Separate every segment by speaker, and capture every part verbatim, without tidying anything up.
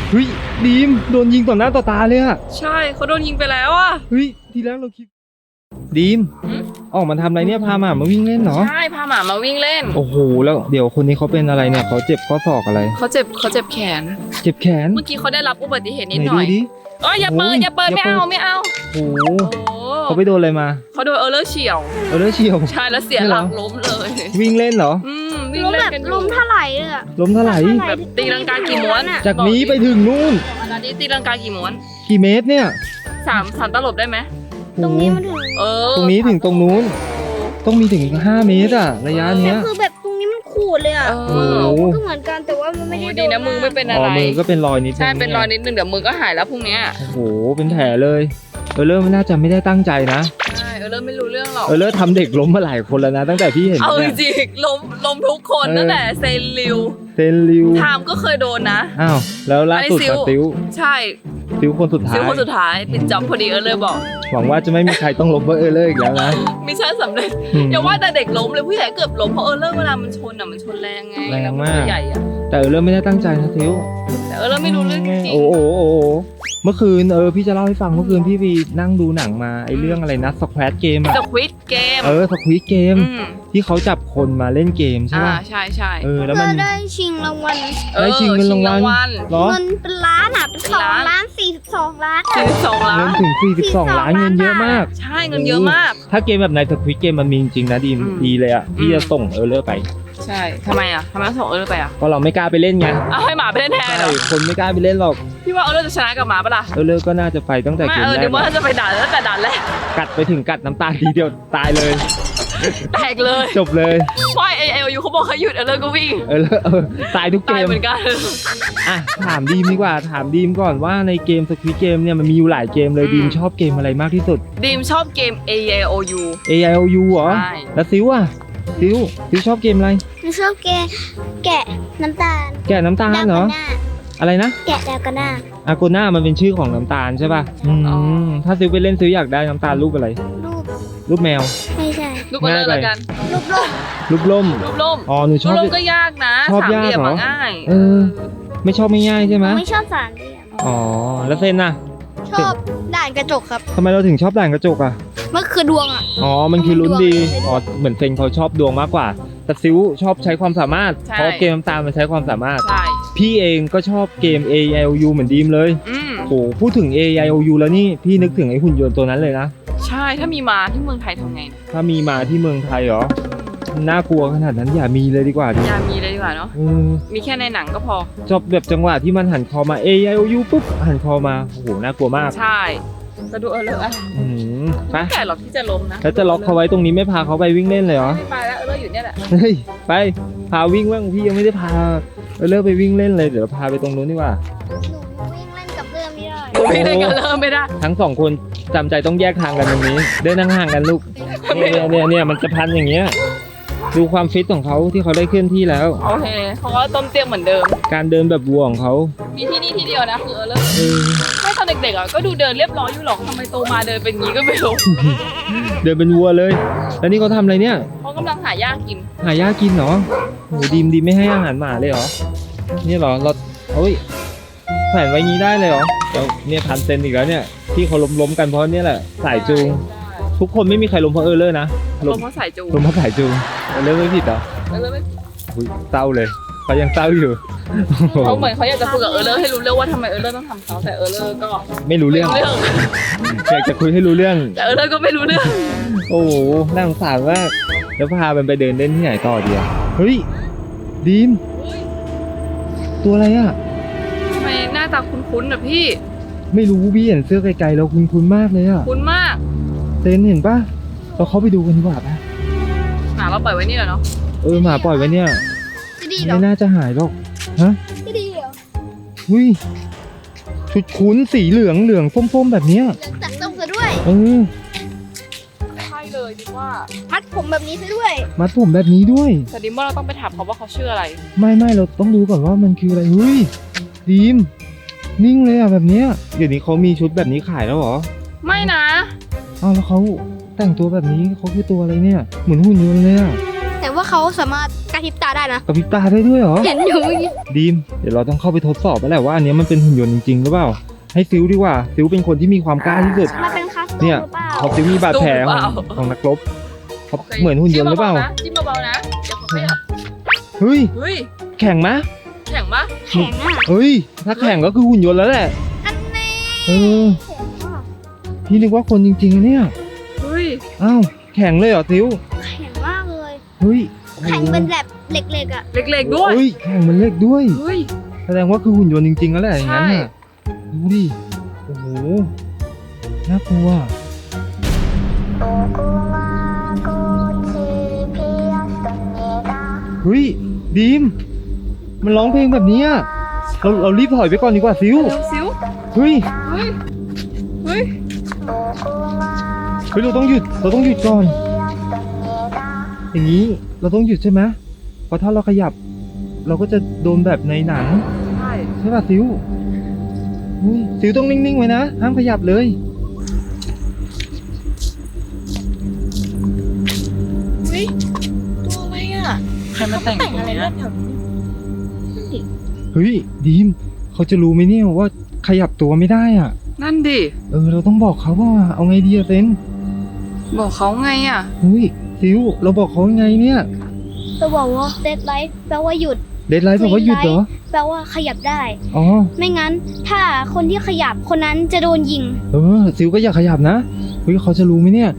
Speaker 1: เฮ้ยดีมโดนยิงต่อหน้าต่อตาเลยอะ
Speaker 2: ใช่เขาโดนยิงไปแล้วอ่ะ
Speaker 1: เฮ้ยทีแรกเราคิดดีมออกมาทำอะไรเนี่ยพาหมามาวิ่งเล่นเหรอ
Speaker 2: ใช่พาหมามาวิ่งเล่น
Speaker 1: โอ้โหแล้วเดี๋ยวคนนี้เขาเป็นอะไรเนี่ยเขาเจ็บข้อศอกอะไร
Speaker 2: เขาเจ็บเขาเจ็บแขน
Speaker 1: เจ็บแขน
Speaker 2: เมื่อกี้เขาได้รับอุบัติเหตุนิด
Speaker 1: ไหน
Speaker 2: หน่
Speaker 1: ดู
Speaker 2: อย
Speaker 1: ดิ
Speaker 2: เอ้ยอย่าเปิดอย่าเปิดไม่เอาไม่เอา
Speaker 1: โอ้โห
Speaker 2: โอ้
Speaker 1: เขาไปโดนอะไรมา
Speaker 2: เขาโดนเออร์เลอร์เฉียว
Speaker 1: เออแล้วเฉียว
Speaker 2: ใช่แล้วเสียหลักล้มเลย
Speaker 1: วิ่งเล่นเหรอ
Speaker 2: อืมวิ่ง
Speaker 3: ล้ม
Speaker 2: เล่
Speaker 3: แบ
Speaker 2: น
Speaker 3: บ
Speaker 2: กันอ
Speaker 3: ล้
Speaker 2: ยู่
Speaker 3: มเท่าไหร่เลยอะ
Speaker 1: ล้มเท่าไหร่
Speaker 2: แบบตีลังกากี่ม้วน
Speaker 1: จากนี้ไปถึงนู่น
Speaker 2: ตอนนี้ตีลังกากี่ม้วน
Speaker 1: กี่เมตรเนี่ย
Speaker 2: สามสามตลบได้ไหม
Speaker 3: ตรงนี้มันถึง
Speaker 2: เออ
Speaker 1: ตรงนี้ถึงตรงนู้นต้องมีถึงห้าเมตรอะระยะ
Speaker 3: แต่
Speaker 1: เนี้ย
Speaker 3: คือแบบตรงนี้มันขูดเลยอะ
Speaker 2: เอ
Speaker 1: โอ้
Speaker 2: อ
Speaker 1: โห
Speaker 3: มันก็เหมือนกันแต่ว่ามันไม่ได้
Speaker 2: โอ้
Speaker 3: โด
Speaker 2: ดี
Speaker 3: น
Speaker 2: นะมึงไม่เป็น
Speaker 1: อ๋
Speaker 2: อะ
Speaker 1: อ
Speaker 2: ไร
Speaker 1: มือก็เป็นรอยนิดนึง
Speaker 2: ใช่เป็นรอยนิดนึงเดี๋ยวมือก็หายแล้วพรุ่งเนี้ย
Speaker 1: โอ้โหเป็นแผลเลยเออเริ่มไม่น่าจะไม่ได้ตั้งใจนะ
Speaker 2: ใช่เออเริ่มไม่รู้เรื่องหรอก
Speaker 1: เออเลิศทำเด็กล้มมาหลายคนแล้วนะตั้งแต่พี่เห็น
Speaker 2: เอาจ
Speaker 1: เนี่ย
Speaker 2: ริงๆล้มล้มทุกคน
Speaker 1: เออ
Speaker 2: ตั้งแต่เซนลิว
Speaker 1: เซนลิว
Speaker 2: ไทม์ก็เคยโดนนะ
Speaker 1: อ้าวแล้วล่าสุด
Speaker 2: อันนี้ซิล
Speaker 1: กับติว
Speaker 2: ใช่
Speaker 1: ติวคนสุดท้า
Speaker 2: ซิ
Speaker 1: ย
Speaker 2: ลคนสุดท้ายปิดจ็อบพอดีเออเลยบอก
Speaker 1: หวังว่าจะไม่มีใครต้องล้มเพราะเออเลิศอีกแล้วนะ
Speaker 2: มิชชั่นสำเร็จ
Speaker 1: อืม
Speaker 2: อย่าว่าแต่เด็กล้มเลยผู้ใหญ่เกือบล้มเพราะเออเลิกเวลามันชนอ่ะมันชนแรงไง
Speaker 1: แรง
Speaker 2: ล้ว
Speaker 1: มาก
Speaker 2: ตัวใหญ่อ่ะ
Speaker 1: แต่เออเลิศไม่ได้ตั้งใจนะติว
Speaker 2: แต่เออเลิกไม่รู้เรื่องจริง
Speaker 1: โอ้โหโอ้โหเมื่อคืนเออพี่จะเล่าให้ฟังเมื่อคืนพี่ไปนั่งดูหนังมาไอเรื่องอะไรนะสแควตเกมอะ
Speaker 2: สควิดเกม
Speaker 1: เออสควีเกม
Speaker 2: ม
Speaker 1: ที่เขาจับคนมาเล่นเกมใช่
Speaker 2: อ่า
Speaker 1: ป่ะ
Speaker 2: ใช่ใช่
Speaker 1: เออแล้ว
Speaker 3: เธ
Speaker 1: มัน
Speaker 3: อได้ชิงรางวัล
Speaker 1: ได้ชิงเงินรางวัล เหรอ
Speaker 3: เงินเป็นล้านอะเป็นสองล้านสี่สิบสองล้าน
Speaker 2: สี่สิบสองล้า
Speaker 1: เงิ
Speaker 2: น
Speaker 1: นถึงสี่สิบสองล้านเงินเยอะมาก
Speaker 2: ใช่เงินเยอะมาก
Speaker 1: ถ้าเกมแบบในสควิดเกมมันมีจริงๆนะดีม
Speaker 2: อืม
Speaker 1: ดีเลยอ่ะพี่
Speaker 2: อืม
Speaker 1: จะส่งเออเลอร์ไป
Speaker 2: ใช่ทำไมอ่ะทำไมต้องส่งเออเลิกไปอ่ะ
Speaker 1: เพราะเราไม่กล้าไปเล่นไง
Speaker 2: เอาให้หมาไปเล่นแทน
Speaker 1: ใช่
Speaker 2: เหรอ
Speaker 1: คนไม่กล้าไปเล่นหรอก
Speaker 2: พี่ว่าเออเลิกจะชนะกับหมาปะล่ะ
Speaker 1: เออเลอร์ก็น่าจะไปตั้งแต่
Speaker 2: ไม่
Speaker 1: เกม
Speaker 2: เออ
Speaker 1: แร
Speaker 2: เดี๋ย
Speaker 1: ก
Speaker 2: วว่าจะไปด่าตั้งแต่ด่านแรก
Speaker 1: กัดไปถึงกัดน้ำตาทีเดียวตายเลย
Speaker 2: แตกเลย
Speaker 1: จบเลย
Speaker 2: ไม่เอเอลยูเขาบอกเขาหยุดเออเลิกก็วิ่ง
Speaker 1: เออเลอร์เออตายทุกเก
Speaker 2: ตาย
Speaker 1: ม
Speaker 2: เหมือนกัน
Speaker 1: อ่ะถามดีมดีกว่าถามดีมก่อนว่าในเกมสควิดเกมเนี่ยมันมีอยู่หลายเกมเลย
Speaker 2: อืม
Speaker 1: ดีมชอบเกมอะไรมากที่สุด
Speaker 2: ดีมชอบเกม เอ ไอ โอ ยู
Speaker 1: A I O U เหรอ
Speaker 2: ใช่
Speaker 1: แล้วซิวอ่ะซิวซิวชอบเกมอะไร
Speaker 3: หนูชอบแกะแกะน้ำตาล
Speaker 1: แกะน้ำตาล
Speaker 3: ดาว
Speaker 1: เหร
Speaker 3: กั
Speaker 1: อ
Speaker 3: นหน้า
Speaker 1: อะไรนะ
Speaker 3: แกะดาวกันหน้า
Speaker 1: อาโกน่ามันเป็นชื่อของน้ำตาลใช่ป่ะอืม
Speaker 2: อ๋อ
Speaker 1: ถ้าซิวไปเล่นซิวอยากได้น้ำตาลรูปอะไร
Speaker 3: รูป
Speaker 1: รูปแมว
Speaker 3: ไม่ใช่
Speaker 2: รูปเออเลิก
Speaker 1: ง่ายไป
Speaker 2: แล้วกัน
Speaker 3: รูปโลก
Speaker 1: รูปล่ม
Speaker 2: รูปล่ม
Speaker 1: อ๋อหนูช
Speaker 2: รู
Speaker 1: อ
Speaker 2: ป
Speaker 1: บ
Speaker 2: ล่มก็ยากนะ
Speaker 1: ชอบ
Speaker 2: สามเหลี่ยม
Speaker 1: ยากเหรอ
Speaker 2: อะง่าย
Speaker 1: เออ ไม่ชอบไม่ง่ายใช่ไหม
Speaker 3: ไม่ชอบสารเหลี่ยม
Speaker 1: อ๋อแล้วเซนน่ะ
Speaker 3: ชอบด่านกระจกครับ
Speaker 1: ทำไมเราถึงชอบด่านกระจกอ่ะ
Speaker 3: มันคือดวงอะ
Speaker 1: อ๋อมันคือลุ้นดี
Speaker 3: ดวง
Speaker 1: อ๋อเหมือนเซนเขาชอบดวงมากกว่า แต่ซิวชอบใช้ความสามารถ
Speaker 2: ใช่
Speaker 1: เพราะเกมน้ำตาลมันใช้ความสามารถ
Speaker 2: ใช่
Speaker 1: พี่เองก็ชอบเกม A I O U เหมือนดีมเลย
Speaker 2: อืม
Speaker 1: โอ้พูดถึง A I O U แล้วนี่พี่นึกถึงไอ้หุ่นยนต์ตัวนั้นเลยนะ
Speaker 2: ใช่ถ้ามีมาที่เมืองไทยทำไงเนี่ย
Speaker 1: ถ้ามีมาที่เมืองไทยเหรอ น่ากลัวขนาดนั้นอย่ามีเลยดีกว่าดิ
Speaker 2: อย่ามีเลยดีกว่าเนาะ
Speaker 1: เออ
Speaker 2: มีแค่ในหนังก็พอ
Speaker 1: จบแบบจังหวะที่มันหันคอมา A I O U ปุ๊บหันคอมา โอ้โห น่ากลัวมาก
Speaker 2: ใช่ก็ดูเออเลิกอะ
Speaker 1: อืมไป
Speaker 2: ไม่แต่หรอกที่จะล้มนะ
Speaker 1: แล้วจะล็อกเขาไว้ตรงนี้ไม่พาเขาไปวิ่งเล่นเลยเหรอ
Speaker 2: ไม่ไปแล้วเออเลิกอยู่เนี่ยแหละ
Speaker 1: เฮ้ย ไป พาวิ่งบ้างพี่ยังไม่ได้พาเออเลิกไปวิ่งเล่นเลย เดี๋ยวพาไปตรงนู้นดีกว่า
Speaker 3: หนูวิ่งเล่นกับเรื่องไม่ได้
Speaker 2: ไม่ได้กันเริ่มไม่ได้
Speaker 1: ทั้งสองคนจำใจต้องแยกทางกันตรงนี้ เดินห่างๆกันลูก เนี่ยเนี่ยเนี่ยเนี่ยมันจะพันอย่างเงี้ย ดูความฟิตของเขาที่เขาได้เคลื่อนที่แล้ว
Speaker 2: โอเคเขาก็ต้มเตี้ยมเหมือนเดิม
Speaker 1: การเดินแบบวัวของเขา
Speaker 2: มีที่นี่ที่เดียวนะคือเออเลิก
Speaker 1: เออ
Speaker 2: ไม่ตอนเด็กๆอ่ะก็ดูเดินเรียบร้อยอยู่หรอกทำไมโตมาเดินเป็นงี้ก็ไม่รู้
Speaker 1: เดินเป็นวัวเลย แล้วนี่เขาทำอะไรเนี่ย
Speaker 2: เขากำลังหาหญ้ากิน
Speaker 1: หาหญ้ากินเหรอโหดีมดีมไม่ให้อาหารหมาเลยเหรอ นี่เหรอ เราเฮ้ยแขวนไว้งี้ได้เลยเหรอเดี๋ยวเนี่ยพันเซนอีกแล้วเนี่ย ที่เขาล้มๆกันเพราะเนี่ยแหละ สายจูง ทุกคนไม่มีใครล้มเพราะเออเลอร์นะ
Speaker 2: ล
Speaker 1: ล้
Speaker 2: ม
Speaker 1: ม
Speaker 2: เพราะสายจูง
Speaker 1: ล้มเพราะสายจูงเออเลอร์ไม่ผิดเหรอ
Speaker 2: เออเลิกไม่
Speaker 1: อุ๊ยเศร้าเลยเขายังเศร้าอยู่
Speaker 2: เขาเหมือนเขาอยากจะคุยกับเออเลิกให้รู้เรื่องว่าทำไมเออเลิกต้องทำเขาแต่เออเลิกก็
Speaker 1: ไม่รู้เรื่อง
Speaker 2: ไม่รู้เรื่อง
Speaker 1: อยากจะคุยให้รู้เรื่อง
Speaker 2: แต่เออเลิกก็ไม่รู้เรื่อง
Speaker 1: โอ้โหน่าสงสารมาก แล้วพามันไปเดินเล่นที่ไหนต่อดีอะเฮ้ยดีม
Speaker 2: เฮ้ย
Speaker 1: ตัวอะไรอะ
Speaker 2: ทำไมหน้าตาคุ้นๆอ่ะพี่
Speaker 1: ไม่รู้พี่เห็นเสื้อไกลๆแล้วคุ้นๆมากเลยอะ
Speaker 2: คุ้นมาก
Speaker 1: เซนเห็นปะเราเข้าไปดูกันดีกว่าปะ
Speaker 2: หมาเราปล่อยไว้นี่แหละเนาะ
Speaker 1: เออหมาปล่อยไว้เนี่ย
Speaker 3: จะดีเหรอ
Speaker 1: ไม่น่าจะหายหรอกฮะ
Speaker 3: จะดีเหรอ
Speaker 1: หุ้ยชุดคุ้นสีเหลืองเหลืองส้มๆแบบเนี้ย
Speaker 3: เหลืองตัดส้มซะด้วย
Speaker 1: เออ
Speaker 2: ใช่เลยดิว่า
Speaker 3: มัดผมแบบนี้ซะด้วย
Speaker 1: มัดผมแบบนี้ด้วย
Speaker 2: แต่ดิมว่าเราต้องไปถามเขาว่าเขาชื่ออะไร
Speaker 1: ไม่ไม่เราต้องดูก่อนว่ามันคืออะไรเฮ้ยดีมนิ่งเลยอะแบบเนี้ยเดี๋ยวนี้เขามีชุดแบบนี้ขายแล้วเหรอ
Speaker 2: ไม่นะ
Speaker 1: อ้าวแล้วเขาแต่งตัวแบบนี้เขาคือตัวอะไรเนี่ยเหมือนหุ่นยนต์เลยอะ
Speaker 3: แต่ว่าเขาสามารถกระพริบตาได้นะ
Speaker 1: กระพริบตาได้ด้วยเหรอ
Speaker 3: เห็นอยู่เมื่อกี้
Speaker 1: ดีมเดี๋ยวเราต้องเข้าไปทดสอบแล้วแหละว่าอันเนี้ยมันเป็นหุ่นยนต์จริงๆหรือเปล่าให้ซิลดีกว่าซิลเป็นคนที่มีความกล้าที่สุด
Speaker 3: มันเป็นคัสตอม
Speaker 1: เนี่ย
Speaker 3: หรือเปล่า
Speaker 1: เขาซิลมีบาดแผลของของนักรบเขาเหมือนหุ่นยนต์หรือเปล่า
Speaker 2: จิ้มเบาๆนะเดี๋ยวเขาขยับ
Speaker 1: เฮ้ย
Speaker 2: เฮ้ย
Speaker 1: แข่งมะ
Speaker 2: แข็งปะ
Speaker 3: แข็งอ่ะ
Speaker 1: เฮ้ยถ้าแข่งก็คือหุ่นยนต์แล้วแหละ
Speaker 3: อันนี้
Speaker 1: เออ
Speaker 3: แข็งมาก
Speaker 1: พี่นึกว่าคนจริงๆนะเนี่ย
Speaker 2: เฮ้ย
Speaker 1: อ้าวแข่งเลยเหรอซิล
Speaker 3: แข็งมากเลย
Speaker 1: เฮ้ย
Speaker 3: แข็งเป็นแบบเหล็กๆอ่ะ
Speaker 2: เล็กๆด้วย
Speaker 1: เฮ้ยแข่งมันเล็กด้วย
Speaker 2: เฮ้ย
Speaker 1: แสดงว่าคือหุ่นยนต์จริงๆแล้วแหละอย่างนั้น
Speaker 2: ใช่
Speaker 1: น่ะดูดิโอ้โหน่ากลัวเฮ้ยดีมมันร้องเพลงแบบนี้อะเราเรารีบถอยไปก่อนดีกว่าซิว
Speaker 2: เร็วซิว
Speaker 1: เฮ้ย
Speaker 2: เฮ้ย เฮ้ย
Speaker 1: เฮ้ยเราต้องหยุดเราต้องหยุดก่อน อย่างนี้เราต้องหยุดใช่ไหมเพราะถ้าเราขยับ เราก็จะโดนแบบในหนัง
Speaker 2: ใช่
Speaker 1: ใช่ป่ะซิวเฮ้ยซิวต้องนิ่งๆไว้นะห้ามขยับเลย
Speaker 2: เฮ้ย ตัวอะไรอ่ะ ใครมาแต่งตรงเนี้ย
Speaker 1: เฮ้ยดีมเขาจะรู้ไหมเนี่ยว่าขยับตัวไม่ได้อ่ะ
Speaker 2: นั่นดิ
Speaker 1: เออเราต้องบอกเขาว่าเอาไงดีอะเซน
Speaker 2: บอกเขาไงอ่ะ
Speaker 1: เฮ้ยซิวเราบอกเขายังไงเนี่ย
Speaker 3: จะบอกว่าเดดไลท์แปลว่าหยุด
Speaker 1: เดดไลท์บอกว่าหยุดเหรอ
Speaker 3: แปลว่าขยับได้
Speaker 1: อ๋อ
Speaker 3: ไม่งั้นถ้าคนที่ขยับคนนั้นจะโดนยิง
Speaker 1: เออซิวก็อยากขยับนะเฮ้ยเขาจะรู้ไหมเนี่ย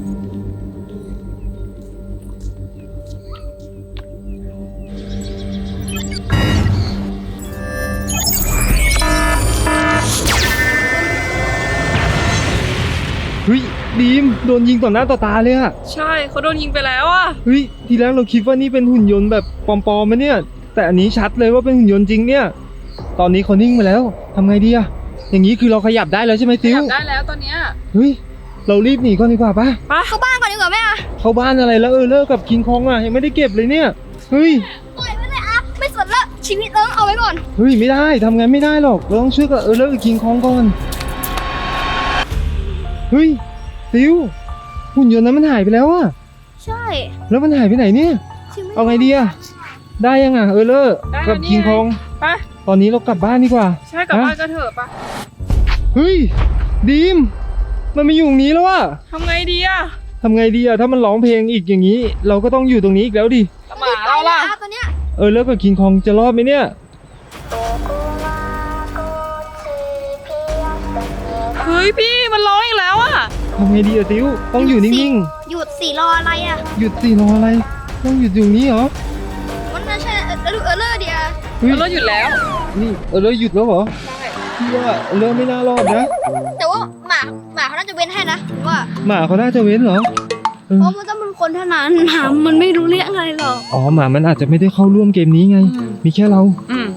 Speaker 1: เฮ้ยดีมโดนยิงต่อหน้าต่อตาเลยอะ
Speaker 2: ใช่เขาโดนยิงไปแล้วอ่ะ
Speaker 1: เฮ้ยทีแรกเราคิดว่านี่เป็นหุ่นยนต์แบบปลอมๆมาเนี่ย แต่อันนี้ชัดเลยว่าเป็นหุ่นยนต์จริงเนี่ย ตอนนี้เขานิ่งไปแล้วทำไงดีอะอย่างนี้คือเราขยับได้แล้วใช่ไหมซิว
Speaker 2: จับได้แล้วตอนเนี้ย
Speaker 1: เฮ้ยเรารีบหนีก่อนดีกว่าปะ
Speaker 2: ไป
Speaker 3: เข้าบ้านก่อนดีกว่าแม่อะ
Speaker 1: เข้าบ้านอะไรแล้วเออเลิกกับคิงคองอะยังไม่ได้เก็บเลยเนี่ยเฮ้ย
Speaker 3: ปล่อยไว้เลยอะไม่สนละชีวิตเราต้องเอาไว้ก่อน
Speaker 1: เฮ้ยไม่ได้ทำไงไม่ได้หรอกเราต้องเชื่อกับเออเลิกกับคิงคองก่อนเฮ้ยซิวหุ่นยนต์นั้นมันหายไปแล้วอะ
Speaker 3: ใช่
Speaker 1: แล้วมันหายไปไหนเนี่ย
Speaker 3: ชีวิต
Speaker 1: เอาไงดีอะได้ยังอะเออเลิกกับคิงคอง
Speaker 2: ไป
Speaker 1: ตอนนี้เรากลับบ้านดีกว่า
Speaker 2: ใช่กลับบ้านก็เถอะปะ
Speaker 1: เฮ้ยดีมมันไม่อยู่ตรงนี้แล้วอะ
Speaker 2: ทำไงดีอ่ะ
Speaker 1: ทำไงดีอะถ้ามันร้องเพลงอีกอย่างนี้ เราก็ต้องอยู่ตรงนี้อีกแล้วดิ
Speaker 2: หมาเราล่ะ
Speaker 3: ไปตอนเนี้ย
Speaker 1: เออแล้วกับคิงคองจะรอดไหมเนี่ย
Speaker 2: เฮ้ยพี่มันร้องอีกแล้วอ่ะ
Speaker 1: ทำไงดีอะติวต้องอยู่นิ่ง
Speaker 3: หยุดสี่รออะไรอะ
Speaker 1: ๆหยุดสิรออะไร ต้องหยุดอยู่นี้เหรอ
Speaker 3: มันน่าใช่เออเออเออเลอร์เดีย
Speaker 1: เฮ้ย
Speaker 2: เราหยุดแล้ว
Speaker 1: นี่เออแล้วหยุดแล้วเหรอพี่ว่าเออแล้วไม่น่ารอดนะ
Speaker 3: แต่ว่าหมาหมาเขาน่าจะเว้นให้นะผมว่า
Speaker 1: หมาเขาน่าจะเว้นเหรอเออ
Speaker 3: เพราะมันต้องเป็นคนเท่านั้นหมามันไม่รู้เรื่องอะไรหรอก
Speaker 1: อ๋อหมามันอาจจะไม่ได้เข้าร่วมเกมนี้ไง
Speaker 2: อืม
Speaker 1: มีแค่เรา
Speaker 2: อืม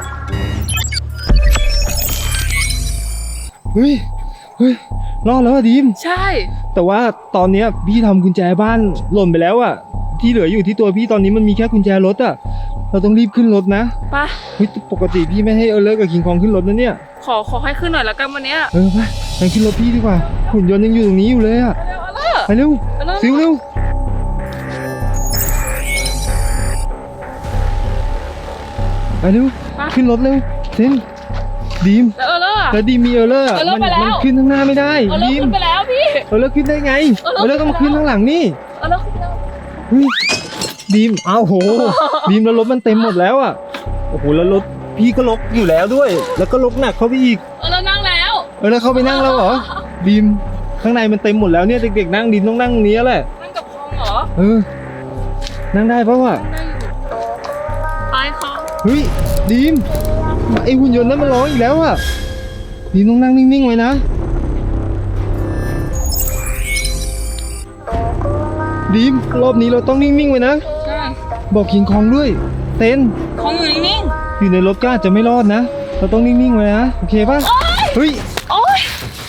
Speaker 1: เฮ้ยเฮ้ยรอดแล้วอะดีม
Speaker 2: ใช่
Speaker 1: แต่ว่าตอนเนี้ยพี่ทำกุญแจบ้านหล่นไปแล้วอะที่เหลืออยู่ที่ตัวพี่ตอนนี้มันมีแค่กุญแจรถอะเราต้องรีบขึ้นรถนะ
Speaker 2: ไป
Speaker 1: เฮ้ยปกติพี่ไม่ให้เออเลิกกับคิงคองขึ้นรถนะเนี่ย
Speaker 2: ขอขอให้ขึ้นหน่อยแล้วกันวันเนี้ย
Speaker 1: เออไปไปขึ้นรถพี่ดีกว่าหุ่นยนต์ยังอยู่ตรงนี้อยู่เลยอะ
Speaker 2: เร็วเอาล่ะ
Speaker 1: ไปเร็ว
Speaker 2: เอาล่ะ
Speaker 1: ซิวเร็วไปเร็วขึ้นรถเร็วเซนดีม
Speaker 2: แล้วเออเลอร์อะ
Speaker 1: แล้วดีมมีเออเลอร์อะ
Speaker 2: เออเลิก
Speaker 1: มั
Speaker 2: ไปแล้ว
Speaker 1: มันขึ้นข้างหน้าไม่ได้
Speaker 2: เออเลอ
Speaker 1: ดี
Speaker 2: ร์
Speaker 1: ม
Speaker 2: ขึ้นไปแล้วพี่
Speaker 1: เออเลิกขึ้นได้ไง
Speaker 2: เออ
Speaker 1: เออ
Speaker 2: เลิ
Speaker 1: เลิก
Speaker 2: ก
Speaker 1: ต้องมา
Speaker 2: ขึ้
Speaker 1: ขึ้น
Speaker 2: นไปแล้ว
Speaker 1: ข้างหลังนี่
Speaker 2: เออเลอร์ขึ้นไปแล้ว
Speaker 1: เฮ้ยดีมอ้าวโห ดีมแล้วรถมันเต็มหมดแล้วอ่ะโอ้โหแล้วรถพี่ก็ลกอยู่แล้วด้วย แล้วก็ลกหนักเข้าไปอีก
Speaker 2: เออเลอร์นั่งแล้ว
Speaker 1: เออแล้วเข้าไปนั่งแล้วเหรอดีมข้างในมันเต็มหมดแล้วเนี่ยเด็กๆนั่งดีมต้องนั่งตรงนี้แหละ
Speaker 2: นั่งกับคองเหรอ
Speaker 1: เออนั่งได้ปะวะ
Speaker 2: นั่งได้อยู่ไปคอง
Speaker 1: เฮ้ยดีมไอหุ่นยนต์นั้นมันร้องอีกแล้วอ่ะดีมต้องนั่งนิ่งๆไว้นะดีมรอบนี้เราต้องนิ่งๆไว้นะ
Speaker 2: ใช่
Speaker 1: บอกคิงคองด้วยเต้น
Speaker 2: คองอยู่นิ่ง
Speaker 1: อยู่ในรถก็อาจจะไม่รอดนะ เราต้องนิ่งๆไว้นะ โอเคป่ะ เฮ้ย
Speaker 2: ๆโอ๊ย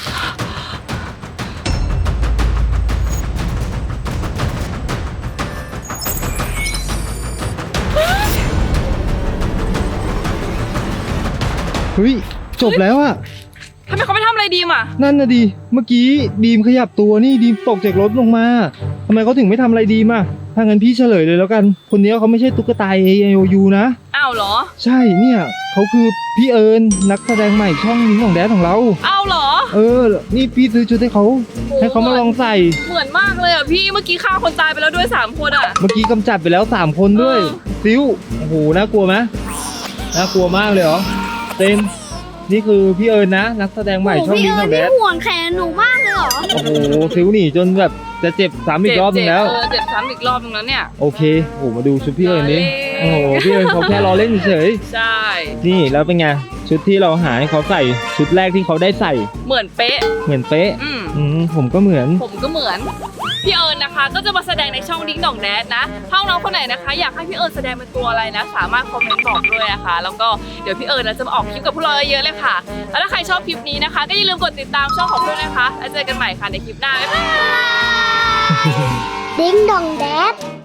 Speaker 1: เฮ้ย จบแล้วอะ
Speaker 2: ทำไมเขาไม่ทำอะไรดีมอ่ะ
Speaker 1: นั่นนะดี เมื่อกี้ดีมขยับตัวนี่ดีมตกจากรถลงมาทำไมเขาถึงไม่ทำอะไรดีมอะถ้างั้นพี่เฉลยเลยแล้วกัน คนนี้เขาไม่ใช่ตุ๊กตา เอ ไอ โอ ยู นะ
Speaker 2: อ้าวเหรอ
Speaker 1: ใช่เนี่ยเขาคือพี่เอิญนักแสดงใหม่ช่องนี้ของแดดของเรา
Speaker 2: อ้าวเหรอ
Speaker 1: เออ นี่พี่ซื้อชุดให้เขาให้เขามาลองใส่
Speaker 2: เหมือนมากเลยอ่ะพี่เมื่อกี้ฆ่าคนตายไปแล้วด้วยสามคนอ่ะ
Speaker 1: เมื่อกี้กำจัดไปแล้วสามคนด้วย
Speaker 2: เออ
Speaker 1: ซิวโอ้โหน่ากลัวไหมน่ากลัวมากเลยเหรอเต็มนี่คือพี่เอิญนะนักแสดงใหม่
Speaker 3: โอ้
Speaker 1: ช่อง
Speaker 3: พี่
Speaker 1: นี้
Speaker 3: เอิ
Speaker 1: ข
Speaker 3: ญ
Speaker 1: องแด
Speaker 3: นี่
Speaker 1: ด
Speaker 3: ห่วงแขนหนูมากเลยเหรอ
Speaker 1: โอ้โหซิวหนีจนแบบจะเจ็บซ้ำอีกรอบนึงแล้ว
Speaker 2: เจ็บเออเจ็บซ้ำอีกรอบนึงแล้วเนี่ย
Speaker 1: โอเคโอ้โหมาดูชุดพี่เอิญนี้
Speaker 2: ล้อเล่น
Speaker 1: โอ้โหพี่เอิญเขาแค่ล้อเล่นเฉย
Speaker 2: ใช่
Speaker 1: ๆนี่แล้วเป็นไงชุดที่เราหาให้เขาใส่ชุดแรกที่เขาได้ใส่
Speaker 2: เหมือนเป๊ะ
Speaker 1: เหมือนเป๊ะ
Speaker 2: อืม
Speaker 1: อืมผมก็เหมือน
Speaker 2: ผมก็เหมือนพี่เอิญนะคะ ก็จะมาแสดงในช่องดิ้งดองแดดนะถ้าน้องคนไหนนะคะ อยากให้พี่เอิญแสดงเป็นตัวอะไรนะ สามารถคอมเมนต์บอกด้วยนะคะ แล้วก็เดี๋ยวพี่เอิญนะจะมาออกคลิปกับพวกเราเยอะๆเลยค่ะ แล้วถ้าใครชอบคลิปนี้นะคะ ก็อย่าลืมกดติดตามช่องของเพื่อนนะคะแล้วเจอกันใหม่ค่ะในคลิปหน้าบ๊ายบาย
Speaker 3: ดิ้งดองแดด